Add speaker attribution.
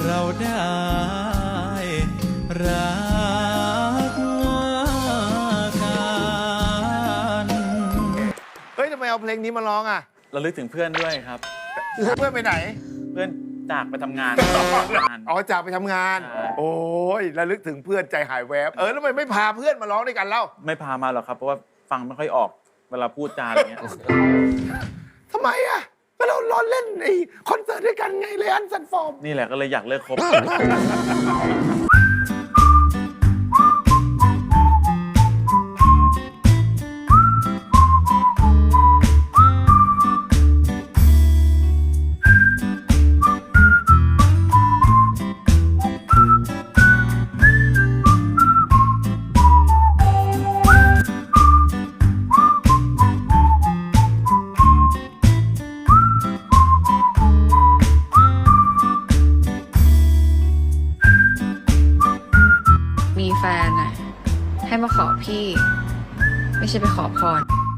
Speaker 1: เราได้รักกัน
Speaker 2: เฮ้ยทำไมเอาเพลงนี้มาร้องอ่ะ
Speaker 3: ระลึกถึงเพื่อนด้วยครับ
Speaker 2: เพื่อนไปไหน
Speaker 3: เพื่อนจากไปทำงาน
Speaker 2: อ๋อจากไปทำงาน
Speaker 3: ใช่
Speaker 2: โอ้ยระลึกถึงเพื่อนใจหายแวบแล้วทำไมไม่พาเพื่อนมาร้องด้วยกันเล่า
Speaker 3: ไม่พามาหรอกครับ เพราะว่าฟังไม่ค่อยออกเวลาพูดจาอะไรเงี้ย
Speaker 2: ทำไมอ่ะก็เราเล่นไอ้คอนเสิร์ตด้วยกันไงเลยอันซันฟอร์ม
Speaker 3: นี่แหละก็เลยอยากเลิกคบ
Speaker 4: มีแฟนอะให้มาขอพี่ ไม่ใช่ไปขอพร